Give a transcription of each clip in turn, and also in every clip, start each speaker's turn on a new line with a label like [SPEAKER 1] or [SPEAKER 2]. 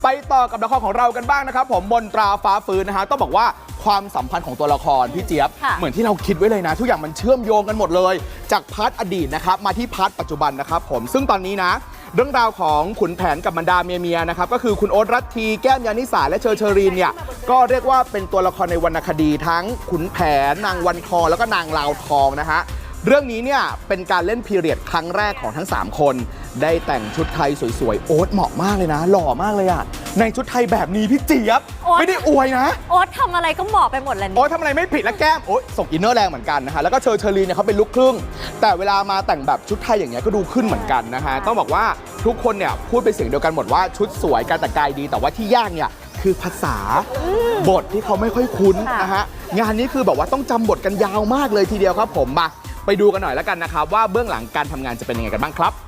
[SPEAKER 1] ไปต่อกับละครของเรากันบ้างนะครับผมมนตราฟ้าฟื้นนะฮะต้องบอกว่าความสัมพันธ์ของตัวละครพี่เจี๊ยบเหมือนที่เราคิดไว้เลยนะทุกอย่างมันเชื่อมโยงกันหมดเลยจากพาร์ทอดีตนะครับมาที่พาร์ทปัจจุบันนะครับผมซึ่งตอนนี้นะเรื่องราวของขุนแผนกับบรรดาเมียนะครับก็คือคุณโอ๊ตรัตทีแก้มยานิสาและเชอรีนเนี่ยก็เรียกว่าเป็นตัวละครในวรรณคดีทั้งขุนแผนนางวันทองแล้วก็นางลาวทองนะฮะเรื่องนี้เนี่ยเป็นการเล่นพีเรียดครั้งแรกของทั้ง3คนได้แต่งชุดไทยสวยๆโอ๊ตเหมาะมากเลยนะหล่อมากเลยอะในชุดไทยแบบนี้พี่เจี๊ยบไม่ได้อวยนะ
[SPEAKER 2] โอ๊ตทำอะไรก็เหมาะไปหมดเลย
[SPEAKER 1] โอ๊ตทำอะไรไม่ผิดและแก้มโอ๊ตส่งอินเนอร์แรงเหมือนกันนะฮะแล้วก็เชอรีนเนี่ยเขาเป็นลูกครึ่งแต่เวลามาแต่งแบบชุดไทยอย่างเงี้ยก็ดูขึ้นเหมือนกันนะฮะต้องบอกว่าทุกคนเนี่ยพูดเป็นเสียงเดียวกันหมดว่าชุดสวยการแต่งกายดีแต่ว่าที่ยากเนี่ยคือภาษาบทที่เขาไม่ค่อยคุ้นนะฮะงานนี้คือแบบว่าต้องจำบทกันยาวมากเลยทีเดียวครับผมมาไปดูกันหน่อยแล้วกันนะครับว่าเบื้องหลังการทำงานจะเป็นยังไงกันบ้างครับ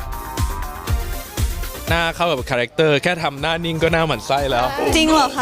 [SPEAKER 3] หน้าเข้ากับคาแรคเตอร์แค่ทำหน้านิ่งก็หน้าหมั่นไส้แล้ว
[SPEAKER 4] จริงเหรอคะ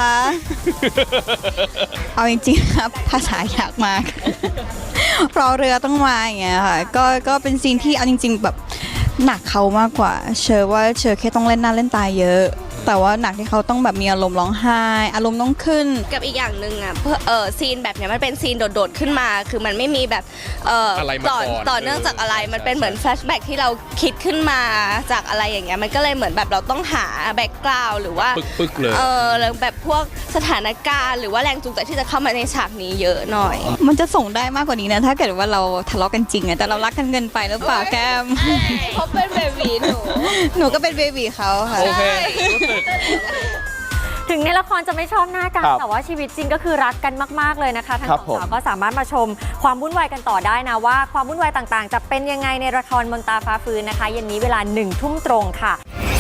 [SPEAKER 4] เอาจริงๆครับภาษายากมาก เพราะเรือต้องมาอย่างเงี้ยค่ะก็เป็นซีนที่เอาจริงๆแบบหนักเขามากกว่าเชื่อว่าเชื่อแค่ต้องเล่นหน้าเล่นตาเยอะแต่ว่าหนักที่เขาต้องแบบมีอารมณ์ร้องไห้อารมณ์ต้องขึ้น
[SPEAKER 5] กับอีกอย่างหนึ่งอ่ะซีนแบบเนี้ยมันเป็นซีนโดดๆขึ้นมาคือมันไม่มีแบบต่อเนื่องจากอะไรมันเป็นเหมือนแฟลชแบ็กที่เราคิดขึ้นมาจากอะไรอย่างเงี้ยมันก็เลยเหมือนแบบเราต้องหาแบ็กกราวด์หรือว่า
[SPEAKER 3] ปึ๊กเลย
[SPEAKER 5] แล้วแบบพวกสถานการณ์หรือว่าแรงจูงใจที่จะเข้ามาในฉากนี้เยอะหน่อย
[SPEAKER 4] มันจะส่งได้มากกว่านี้นะถ้าเกิดว่าเราทะเลาะกันจริงอะแต่เรารักกันเกินไปหรือเปล่าแก้ม
[SPEAKER 5] เขาเป็นเบบีหนู
[SPEAKER 4] ก็เป็นเบบีเขาค่ะ
[SPEAKER 3] โอเค
[SPEAKER 2] ถึงในละครจะไม่ชอบหน้ากันแต่ว่าชีวิตจริงก็คือรักกันมากๆเลยนะคะทั้งสองสาวก็สามารถมาชมความวุ่นวายกันต่อได้นะว่าความวุ่นวายต่างๆจะเป็นยังไงในละครมนตราฟ้าฟื้นนะคะเย็นนี้เวลา 1 ทุ่มตรงค่ะ